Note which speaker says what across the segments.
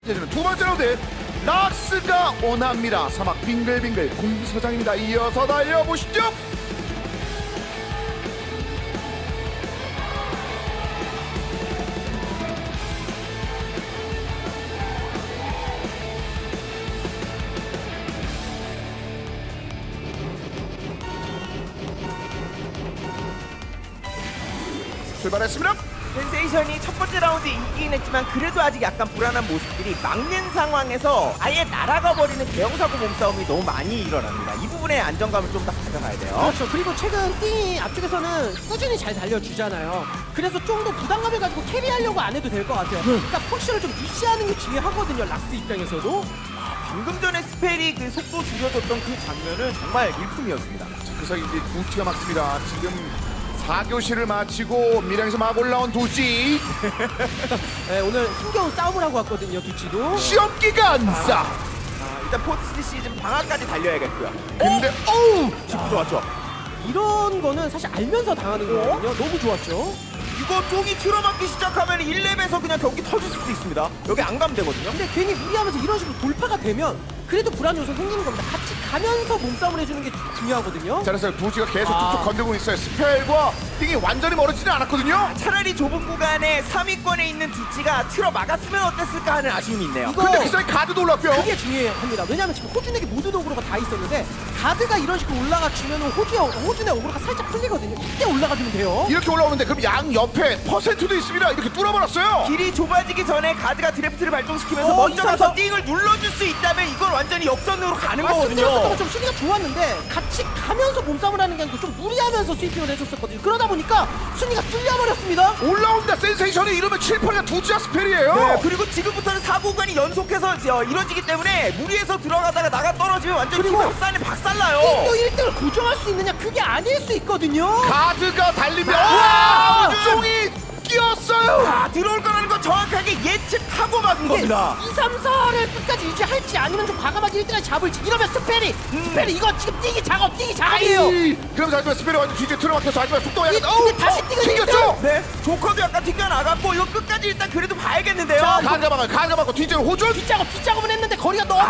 Speaker 1: 이제는 두 번째 라운드 락스가 원합니다. 사막 빙글빙글 공서장입니다. 이어서 달려보시죠. 출발했습니다.
Speaker 2: 센세이션이 첫 번째 라운드 이기긴 했지만 그래도 아직 약간 불안한 모습들이 막는 상황에서 아예 날아가 버리는 대형사고 몸싸움이 너무 많이 일어납니다. 이 부분에 안정감을 좀 더 가져가야 돼요.
Speaker 3: 그렇죠. 그리고 최근 띵이 앞쪽에서는 꾸준히 잘 달려주잖아요. 그래서 좀 더 부담감을 가지고 캐리하려고 안 해도 될 것 같아요. 그러니까 포지션을 좀 유지하는 게 중요하거든요. 락스 입장에서도.
Speaker 2: 방금 전에 스펠이 그 속도 줄여줬던 그 장면은 정말 일품이었습니다.
Speaker 1: 그래서 이제 두치가 막습니다. 지금 4교시를 마치고 밀양에서 막 올라온 두치.
Speaker 3: 네, 오늘 힘겨운 싸움을 하고 왔거든요. 두치도.
Speaker 1: 시험 기간 싸.
Speaker 2: 일단 포스트 시즌 방학까지 달려야겠고요.
Speaker 1: 근데 어우
Speaker 2: 좋았죠.
Speaker 3: 이런 거는 사실 알면서 당하는 거거든요. 너무 좋았죠.
Speaker 2: 이거 쪽이 틀어막기 시작하면 1렙에서 그냥 경기 터질 수도 있습니다. 여기 안 가면 되거든요.
Speaker 3: 근데 괜히 무리하면서 이런 식으로 돌파가 되면 그래도 불안 요소 생기는 겁니다. 같이 가면서 몸싸움을 해주는 게 중요하거든요.
Speaker 1: 자, 그래서 두치가 계속 툭툭 건들고 있어요. 스펠과 띵이 완전히 멀어지진 않았거든요.
Speaker 2: 차라리 좁은 구간에 3위권에 있는 두치가 틀어 막았으면 어땠을까 하는 아쉬움이 있네요.
Speaker 3: 이거
Speaker 1: 근데 그 사이 가드도 올랐고요.
Speaker 3: 그게 중요합니다. 왜냐하면 지금 호준에게 모든 어그로가 다 있었는데 가드가 이런 식으로 올라가 주면 호준의 어그로가 살짝 풀리거든요. 이때 올라가 주면 돼요.
Speaker 1: 이렇게 올라오는데 그럼 양 옆에 퍼센트도 있습니다. 이렇게 뚫어버렸어요.
Speaker 2: 길이 좁아지기 전에 가드가 드래프트를 발동시키면서
Speaker 3: 어,
Speaker 2: 먼저 가서
Speaker 3: 이상하다.
Speaker 2: 띵을 눌러줄 수 있다면 이건 완전히 역전으로 가는
Speaker 3: 말씀드렸던
Speaker 2: 거거든요.
Speaker 3: 것좀 수비가 좋았는데 같이 가면서 몸싸움을 하는 게 아니고 좀 무리하면서 스위핑을 해줬었거든요. 그러다 보니까 순위가 뚫려버렸습니다.
Speaker 1: 올라온다 센세이션이 이러면 7%가 두치와 스펠이에요.
Speaker 2: 네, 그리고 지금부터는 사고간이 연속해서 이루어지기 때문에 무리해서 들어가다가 나가 떨어지면 완전히 팀
Speaker 3: 그리고
Speaker 2: 박살나요.
Speaker 3: 또 1등을 고정할 수 있느냐 그게 아닐 수 있거든요.
Speaker 1: 가드가 달리면
Speaker 2: 아!
Speaker 1: 와! 쫑이 끼었어요.
Speaker 2: 아, 들어올 거라는 건 정확하게 예측하고 막은
Speaker 3: 이게
Speaker 2: 겁니다.
Speaker 3: 2, 3, 4를 끝까지 유지할지 아니면 좀 과감하게 1등을 잡을지 이러면 스펠이 이거 지금 뛰기 작업이에요.
Speaker 1: 그러면서 하지만 스펠이 완전 뒤에 틀어막혀서 하지만 속도가
Speaker 3: 이-
Speaker 1: 약간
Speaker 3: 근데 다시 뛰고
Speaker 1: 튕겼죠.
Speaker 2: 네, 조커도 약간 튕겨 나갔고 이거 끝까지 일단 그래도 봐야겠는데요.
Speaker 1: 가드가 막고 뒤쪽으로 호준.
Speaker 3: 뒷작업은 했는데 거리가 너무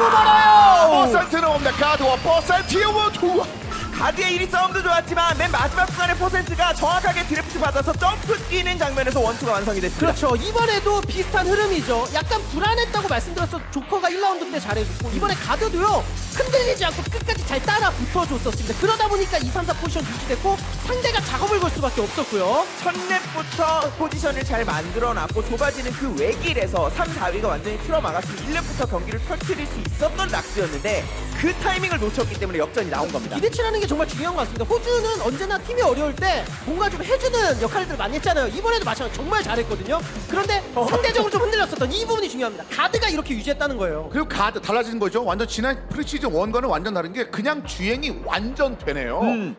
Speaker 3: 멀어요.
Speaker 1: 퍼센트는 없네. 가드와 퍼센트의 원투.
Speaker 2: 가드의 1위 싸움도 좋았지만 맨 마지막 구간의 퍼센트가 정확하게 드래프트 받아서 점프 뛰는 장면에서 원투가 완성이 됐습니다.
Speaker 3: 그렇죠. 이번에도 비슷한 흐름이죠. 약간 불안했다고 말씀드렸어. 조커가 1라운드 때 잘해줬고 이번에 가드도요. 흔들리지 않고 끝까지 잘 따라 붙어줬었습니다. 그러다 보니까 2, 3, 4 포지션 유지됐고 상대가 작업을 걸 수밖에 없었고요.
Speaker 2: 첫 랩부터 포지션을 잘 만들어놨고 좁아지는 그 외길에서 3, 4위가 완전히 틀어막았으면 1랩부터 경기를 펼칠 수 있었던 락스였는데 그 타이밍을 놓쳤기 때문에 역전이 나온 겁니다.
Speaker 3: 기대치라는 게 정말 중요한 것 같습니다. 호주는 언제나 팀이 어려울 때 뭔가 좀 해주는 역할들을 많이 했잖아요. 이번에도 마찬가지 정말 잘했거든요. 그런데 상대적으로 좀 흔들렸었던 이 부분이 중요합니다. 가드가 이렇게 유지했다는 거예요.
Speaker 1: 그리고 가드 달라지는 거죠. 완전 지난 프리시즌 1과는 완전 다른 게 그냥 주행이 완전 되네요.